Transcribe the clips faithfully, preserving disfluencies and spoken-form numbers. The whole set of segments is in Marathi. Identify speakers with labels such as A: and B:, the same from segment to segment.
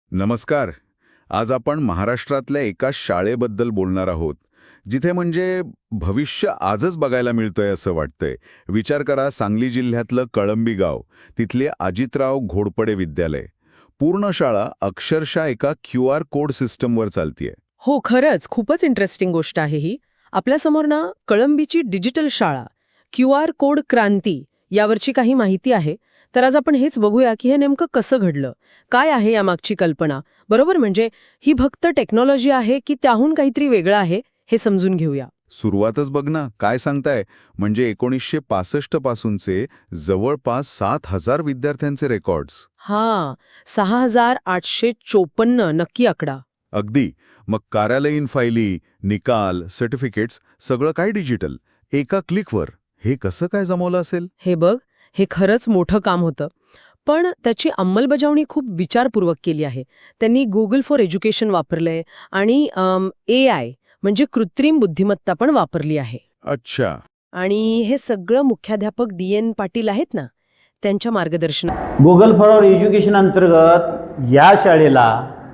A: नमस्कार. आज आपण महाराष्ट्रातल्या एका शाळेबद्दल बोलणार आहोत, जिथे म्हणजे भविष्य आजच बघायला मिळतंय असं वाटतंय. विचार करा, सांगली जिल्ह्यातलं कळंबी गाव, तिथले अजितराव घोडपडे विद्यालय. पूर्ण शाळा अक्षरशः एका क्यू आर कोड सिस्टमवर चालतीये.
B: हो, खरंच खूपच इंटरेस्टिंग गोष्ट आहे ही. आपल्यासमोर ना कळंबीची डिजिटल शाळा, क्यू आर कोड क्रांती यावरची काही माहिती आहे. तर आज आपण हेच बघूया की हे नेमकं कसं घडलं, काय आहे यामागची कल्पना. बरोबर, म्हणजे ही फक्त टेक्नॉलॉजी आहे की त्याहून काहीतरी वेगळं आहे हे समजून घेऊया.
A: सुरुवातच बघ ना, काय सांगताय. म्हणजे एकोणीसशे पासष्ट पासूनचे जवळपास सात हजार विद्यार्थ्यांचे रेकॉर्ड्स.
B: हां, सहा हजार आठशे चोपन्न नक्की आकडा.
A: अगदी. मग कार्यालयीन फायली, निकाल, सर्टिफिकेट्स सगळं काय डिजिटल, एका क्लिकवर. हे कसं काय जमवलं असेल?
B: हे बघ, हे खरंच मोठं काम होतं. पण त्याची अंमलबजावणी खूप विचारपूर्वक केली आहे. त्यांनी गुगल फॉर एज्युकेशन वापरलंय आणि ए आय म्हणजे कृत्रिम बुद्धिमत्ता पण वापरली आहे.
A: अच्छा.
B: आणि हे सगळं मुख्याध्यापक डी एन पाटील आहेत ना, त्यांच्या मार्गदर्शनात.
C: गुगल फॉर एज्युकेशन अंतर्गत या शाळेला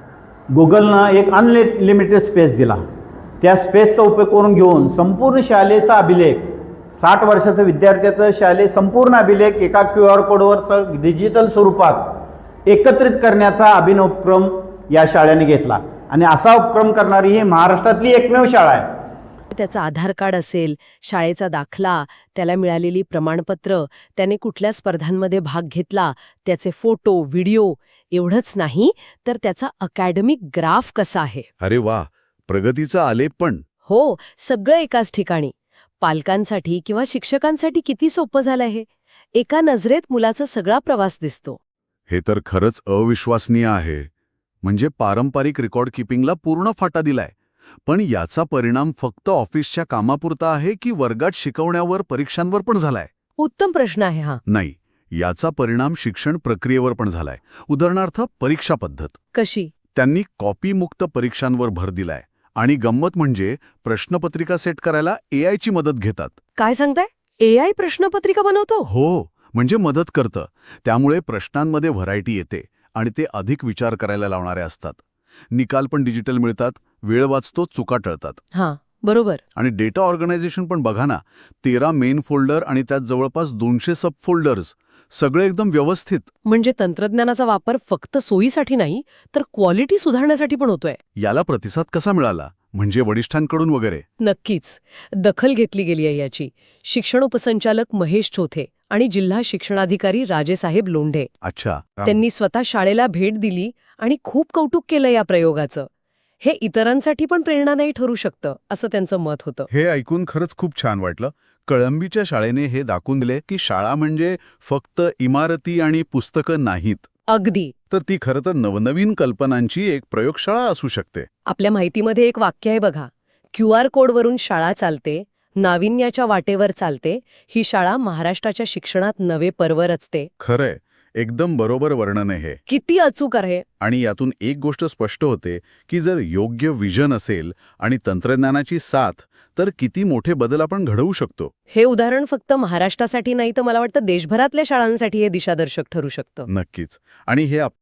C: गुगलनं एक अनलिमिटेड स्पेस दिला. त्या स्पेसचा उपयोग करून घेऊन संपूर्ण शाळेचा अभिलेख, साठ वर्षाचं विद्यार्थ्याचं शालेय संपूर्ण अभिलेख एका क्यू आर कोडवर स डिजिटल स्वरूपात एकत्रित करण्याचा अभिनव उपक्रम या शाळेने घेतला. आणि असा उपक्रम करणारी ही महाराष्ट्रातली एकमेव शाळा आहे.
B: त्याचं आधार कार्ड असेल, शाळेचा दाखला, त्याला मिळालेली प्रमाणपत्र, त्याने कुठल्या स्पर्धांमध्ये भाग घेतला, त्याचे फोटो, व्हिडिओ, एवढंच नाही तर त्याचा अकॅडमिक ग्राफ कसा आहे.
A: अरे वा, प्रगतीचा आलेख पण.
B: हो, सगळं एकाच ठिकाणी. पालकांसाठी किंवा शिक्षकांसाठी किती सोपं झालं हे. एका नजरेत मुलाचा सगळा प्रवास दिसतो.
A: हे तर खरंच अविश्वसनीय आहे. म्हणजे पारंपरिक रेकॉर्ड किपिंगला पूर्ण फाटा दिलाय. पण याचा परिणाम फक्त ऑफिसच्या कामापुरता आहे की वर्गात शिकवण्यावर, परीक्षांवर पण झालाय?
B: उत्तम प्रश्न आहे हा.
A: नाही, याचा परिणाम शिक्षण प्रक्रियेवर पण झालाय. उदाहरणार्थ परीक्षा पद्धत.
B: कशी?
A: त्यांनी कॉपीमुक्त परीक्षांवर भर दिलाय. आणि गंमत म्हणजे प्रश्नपत्रिका सेट करायला ए आय ची मदत घेतात.
B: काय सांगताय? ए आय प्रश्नपत्रिका बनवतो?
A: हो, म्हणजे मदत करतं. त्यामुळे प्रश्नांमध्ये व्हरायटी येते आणि ते अधिक विचार करायला लावणारे असतात. निकाल पण डिजिटल मिळतात, वेळ वाचतो, चुका टळतात.
B: हां, बरोबर.
A: आणि डेटा ऑर्गनायझेशन पण बघा ना, तेरा मेन फोल्डर आणि त्यात जवळपास दोनशे सब फोल्डर्स, सगळे एकदम व्यवस्थित.
B: म्हणजे तंत्रज्ञानाचा वापर फक्त सोयीसाठी नाही तर क्वालिटी सुधारण्यासाठी पण होतोय.
A: याला प्रतिसाद कसा मिळाला? म्हणजे वरिष्ठांकडून वगैरे?
B: नक्कीच दखल घेतली गेली आहे याची. शिक्षण उपसंचालक महेश चोथे आणि जिल्हा शिक्षणाधिकारी राजेसाहेब लोंढे,
A: अच्छा.
B: त्यांनी स्वतः शाळेला भेट दिली आणि खूप कौतुक केलं या प्रयोगाचं. हे इतरांसाठी पण प्रेरणादायी ठरू शकतं असं त्यांचं मत होतं.
A: हे ऐकून खरंच खूप छान वाटलं. कळंबीच्या शाळेने हे दाखवून दिले की शाळा म्हणजे फक्त इमारती आणि पुस्तकं नाहीत,
B: अगदी.
A: तर ती खरं तर नवनवीन कल्पनांची एक प्रयोगशाळा असू शकते.
B: आपल्या माहितीमध्ये एक वाक्य आहे बघा, क्यू आर कोडवरून शाळा चालते, नाविन्याच्या वाटेवर चालते. ही शाळा महाराष्ट्राच्या शिक्षणात नवे पर्व रचते.
A: खरंय, एकदम बरोबर वर्णन आहे हे.
B: किती अचूक आहे.
A: आणि यातून एक गोष्ट स्पष्ट होते की जर योग्य विजन असेल आणि तंत्रज्ञानाची साथ, तर किती मोठे बदल आपण घडवू शकतो.
B: हे उदाहरण फक्त महाराष्ट्रासाठी नाही तर मला वाटतं देशभरातल्या शाळांसाठी हे दिशादर्शक ठरू शकतं.
A: नक्कीच. आणि हे